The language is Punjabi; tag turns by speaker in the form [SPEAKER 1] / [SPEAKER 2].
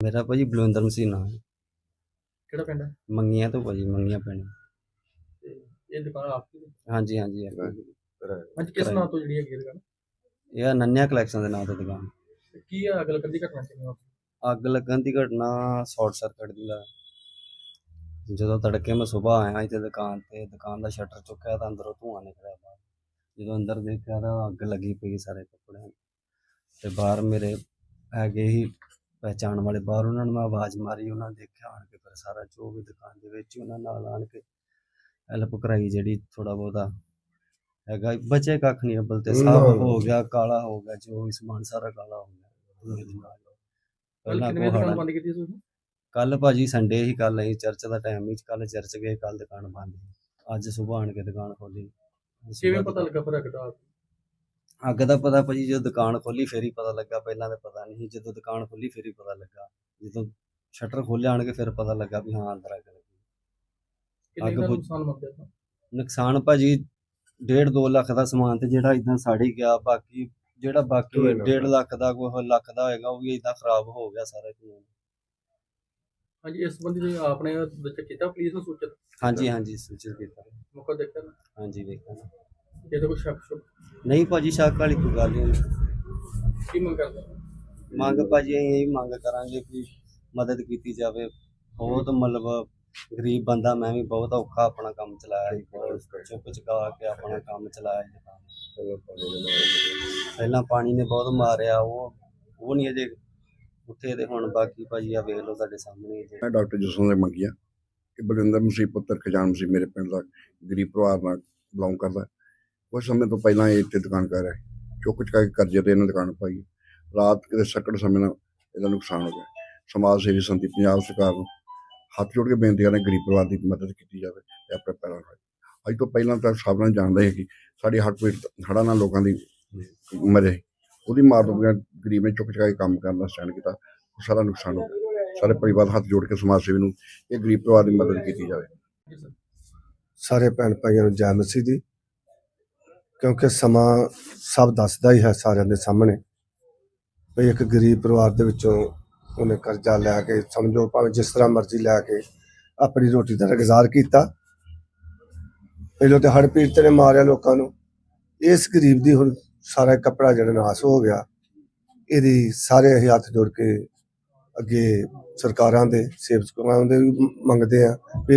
[SPEAKER 1] ਮੇਰਾ ਭਾਜੀ ਬਲਵਿੰਦਰ ਮਸੀਹ ਨਾਂ ਹੈ।
[SPEAKER 2] ਕਿਹੜਾ ਪਿੰਡ ਹੈ
[SPEAKER 1] ਮੰਗੀਆਂ ਤੋਂ ਭਾਜੀ, ਮੰਗੀਆਂ ਪਿੰਡ।
[SPEAKER 2] ਤੇ ਇਹ ਦੁਕਾਨ ਆਪਕੀ ਹੈ?
[SPEAKER 1] ਹਾਂਜੀ ਹਾਂਜੀ
[SPEAKER 2] ਅੱਜ ਕਿਸ ਨਾਂ ਤੋਂ ਜਿਹੜੀ ਹੈਗੀ ਇਹ ਦੁਕਾਨ?
[SPEAKER 1] ਇਹ ਨੰਨਿਆ ਕਲੈਕਸ਼ਨ ਦੇ ਨਾਂ ਤੋਂ ਦੁਕਾਨ।
[SPEAKER 2] ਤੇ ਕੀ ਆ ਅਗਲ ਕੰਦੀ ਘਟਨਾ ਕਿਵੇਂ ਹੋਈ?
[SPEAKER 1] ਅੱਗ ਲੱਗਣ ਦੀ ਘਟਨਾ ਸ਼ਾਰਟ ਸਰਕਟ ਦੀ ਲਾ। ਜਦੋਂ ਤੜਕੇ ਮੈਂ ਸੁਬਾਹ ਆਇਆ ਇੱਥੇ ਦੁਕਾਨ ਤੇ, ਦੁਕਾਨ ਦਾ ਸ਼ਟਰ ਚੁੱਕਿਆ ਤਾਂ ਅੰਦਰੋਂ ਧੂੰਆਂ ਨਿਕਲਿਆ ਬਾਹਰ। ਜਦੋਂ ਅੰਦਰ ਦੇਖਿਆ ਤਾਂ ਅੱਗ ਲੱਗੀ ਪਈ ਸਾਰੇ ਕੱਪੜਿਆਂ ਤੇ ਬਾਹਰ ਮੇਰੇ ਹੈਗੇ ਹੀ ਪਹਿਚਾਣ ਵਾਲੇ, ਬਾਹਰ ਉਹਨਾਂ ਨੂੰ ਮੈਂ ਆਵਾਜ਼ ਮਾਰੀ, ਉਹਨਾਂ ਨੇ ਦੇਖਿਆ ਆਣ ਕੇ, ਫਿਰ ਸਾਰਾ ਜੋ ਵੀ ਦੁਕਾਨ ਦੇ ਵਿੱਚ ਉਹਨਾਂ ਨਾਲ ਆਣ ਕੇ ਹੈਲਪ ਕਰਾਈ, ਜਿਹੜੀ ਥੋੜਾ ਬਹੁਤਾ ਹੈਗਾ ਬਚੇ ਕੱਖ ਨਹੀਂ, ਅੱਬਲ ਤੇ ਸਾਫ ਹੋ ਗਿਆ, ਕਾਲਾ ਹੋ ਗਿਆ, ਜੋ ਵੀ ਸਮਾਨ ਸਾਰਾ ਕਾਲਾ ਹੋ ਗਿਆ।
[SPEAKER 2] ਕਿੰਨੇ ਦੁਕਾਨ ਬੰਦ ਕੀਤੀ ਸੀ?
[SPEAKER 1] ਕੱਲ ਭਾਜੀ ਸੰਡੇ ਹੀ, ਕੱਲ ਅਸੀਂ ਚਰਚ ਦਾ ਟਾਈਮ ਹੀ, ਕੱਲ ਚਰਚ ਗਏ, ਕੱਲ ਦੁਕਾਨ ਬੰਦ ਸੀ। ਅੱਜ ਸੁਬਾਹ ਆਣ ਕੇ ਦੁਕਾਨ ਖੋਲੀ।
[SPEAKER 2] ਕਿਵੇਂ ਪਤਾ ਲੱਗਾ ਫਿਰ ਅੱਗ ਦਾ?
[SPEAKER 1] ਅੱਗ ਦਾ ਪਤਾ ਭਾਜੀ ਜਦੋਂ ਦੁਕਾਨ ਖੋਲੀ ਫਿਰ ਹੀ ਪਤਾ ਲੱਗਾ, ਪਹਿਲਾਂ ਤਾਂ ਪਤਾ ਨਹੀਂ, ਜਦੋਂ ਦੁਕਾਨ ਖੋਲੀ ਫਿਰ ਹੀ ਪਤਾ ਲੱਗਾ। ਜਦੋਂ ਸ਼ਟਰ ਖੋਲਿਆ ਆਣ ਕੇ ਫਿਰ ਪਤਾ ਲੱਗਾ ਵੀ ਹਾਂ ਅੰਦਰ ਅੱਗ ਲੱਗੀ।
[SPEAKER 2] ਕਿੰਨੇ ਦਾ ਨੁਕਸਾਨ ਮੰਨਦੇ ਹੋ?
[SPEAKER 1] ਨੁਕਸਾਨ ਭਾਜੀ 1.5-2 ਲੱਖ ਦਾ ਸਮਾਨ ਤੇ ਜਿਹੜਾ ਇਦਾਂ ਸੜ ਹੀ ਗਿਆ, ਬਾਕੀ ਜਿਹੜਾ 1.5 ਲੱਖ ਦਾ ਕੋਈ ਲੱਖ ਦਾ ਹੋਏਗਾ ਉਹ ਵੀ ਇਦਾਂ ਖਰਾਬ ਹੋ ਗਿਆ ਸਾਰਾ ਕੁਝ।
[SPEAKER 2] ਹਾਂਜੀ, ਇਸ ਸੰਬੰਧੀ ਆਪਣੇ ਵਿੱਚ ਕੀਤਾ ਪੁਲਿਸ ਨੂੰ ਸੂਚਿਤ?
[SPEAKER 1] ਹਾਂਜੀ ਹਾਂਜੀ ਸੂਚਿਤ ਕੀਤਾ।
[SPEAKER 2] ਮੌਕਾ ਦੇਖਿਆ ਨਾ?
[SPEAKER 1] ਹਾਂਜੀ ਵੇਖਿਆ ਨਾ।
[SPEAKER 2] ਇਹਦੇ ਕੋਈ ਸ਼ੱਕ
[SPEAKER 1] ਨਹੀਂ ਭਾਜੀ, ਸ਼ੱਕ ਵਾਲੀ ਕੋਈ ਗੱਲ ਨਹੀਂ।
[SPEAKER 2] ਕੀ ਮੰਗ ਕਰਦੇ?
[SPEAKER 1] ਮੰਗ ਭਾਜੀ ਅਸੀਂ ਇਹੀ ਮੰਗ ਕਰਾਂਗੇ ਕਿ ਮਦਦ ਕੀਤੀ ਜਾਵੇ। ਬਹੁਤ ਮਤਲਬ ਗਰੀਬ ਬੰਦਾ, ਮੈਂ ਵੀ ਬਹੁਤ ਔਖਾ ਆਪਣਾ ਕੰਮ ਚਲਾਇਆ ਸੀ, ਬਹੁਤ ਚੁੱਕ ਚੁਕਾ ਕੇ ਆਪਣਾ ਕੰਮ ਚਲਾਇਆ ਸੀ। ਪਹਿਲਾਂ ਪਾਣੀ ਨੇ ਬਹੁਤ ਮਾਰਿਆ, ਉਹ ਨਹੀਂ ਅਜੇ ਉੱਥੇ ਤੇ ਹੁਣ ਬਾਕੀ ਭਾਜੀ ਆ ਵੇਖ ਲਓ ਤੁਹਾਡੇ ਸਾਹਮਣੇ।
[SPEAKER 3] ਮੈਂ ਡਾਕਟਰ ਜਸਵੰਤ ਸਿੰਘ ਮੰਗੀਆਂ, ਇਹ ਬਲਵਿੰਦਰ ਮਸੀਹ ਪੁੱਤਰ ਖਜਾਨ ਮਸੀਹ ਮੇਰੇ ਪਿੰਡ ਦਾ ਗਰੀਬ ਪਰਿਵਾਰ ਨਾਲ ਬਿਲੋਂਗ ਕਰਦਾ। ਕੁਝ ਸਮੇਂ ਤੋਂ ਪਹਿਲਾਂ ਇਹ ਇੱਥੇ ਦੁਕਾਨ ਕਰ ਰਿਹਾ, ਚੁੱਕ ਚੁਕਾ ਕੇ ਕਰਜ਼ੇ ਤੇ ਇਹਨਾਂ ਦੁਕਾਨ ਪਾਈ। ਰਾਤ ਕਿਤੇ ਸੱਕੜ ਸਮੇਂ ਨਾਲ ਇਹਦਾ ਨੁਕਸਾਨ ਹੋ ਗਿਆ। ਸਮਾਜ ਸੇਵੀ ਸੰਸਥਾ ਪੰਜਾਬ ਸਰਕਾਰ ਨੂੰ ਹੱਥ ਜੋੜ ਕੇ ਬੇਨਤੀ ਕਰਦੇ ਗਰੀਬ ਪਰਿਵਾਰ ਦੀ ਮਦਦ ਕੀਤੀ ਜਾਵੇ ਤੇ ਆਪਣੇ ਪੈਰਾਂ ਨਾਲ। ਅੱਜ ਤੋਂ ਪਹਿਲਾਂ ਤਾਂ ਸਭ ਨਾਲ ਜਾਣਦੇ ਸੀ ਕਿ ਸਾਡੀ ਹੜ੍ਹਾਂ ਨਾਲ ਲੋਕਾਂ ਦੀ ਮਰੇ, ਉਹਦੀ ਮਾਰ ਤੋਂ ਬਗੈਰ ਗਰੀਬ ਨੇ ਚੁੱਕ ਚੁਕਾ ਕੇ ਕੰਮ ਕਰਨ ਦਾ ਸਟੈਂਡ ਕੀਤਾ, ਉਹ ਸਾਰਾ ਨੁਕਸਾਨ ਹੋ ਗਿਆ। ਸਾਰੇ ਪਰਿਵਾਰ ਹੱਥ ਜੋੜ ਕੇ ਸਮਾਜ ਸੇਵੀ ਨੂੰ ਇਹ ਗਰੀਬ ਪਰਿਵਾਰ ਦੀ ਮਦਦ ਕੀਤੀ ਜਾਵੇ।
[SPEAKER 4] ਸਾਰੇ ਭੈਣ ਭਾਈਆਂ ਨੂੰ ਜੈ ਮਸੀਹ ਦੀ, ਕਿਉਂਕਿ ਸਮਾਂ ਸਭ ਦੱਸਦਾ ਹੀ ਹੈ ਸਾਰਿਆਂ ਦੇ ਸਾਹਮਣੇ ਵੀ ਇੱਕ ਗਰੀਬ ਪਰਿਵਾਰ ਦੇ ਵਿੱਚੋਂ ਉਹਨੇ ਕਰਜ਼ਾ ਲੈ ਕੇ, ਸਮਝੋ ਭਾਵੇਂ ਜਿਸ ਤਰ੍ਹਾਂ ਮਰਜ਼ੀ ਲੈ ਕੇ ਆਪਣੀ ਰੋਟੀ ਦਾ ਗੁਜ਼ਾਰ ਕੀਤਾ। ਪਹਿਲੋਂ ਤੇ ਹੜ੍ਹ ਪੀੜਤ ਨੇ ਮਾਰਿਆ ਲੋਕਾਂ ਨੂੰ, ਇਸ ਗਰੀਬ ਦੀ ਹੁਣ ਸਾਰਾ ਕੱਪੜਾ ਜਿਹੜਾ ਨਾਸ ਹੋ ਗਿਆ। ਇਹਦੀ ਸਾਰੇ ਅਸੀਂ ਹੱਥ ਜੋੜ ਕੇ ਅੱਗੇ ਸਰਕਾਰਾਂ ਦੇ, ਸੇਵਕਾਂ ਦੇ ਵੀ ਮੰਗਦੇ ਆ।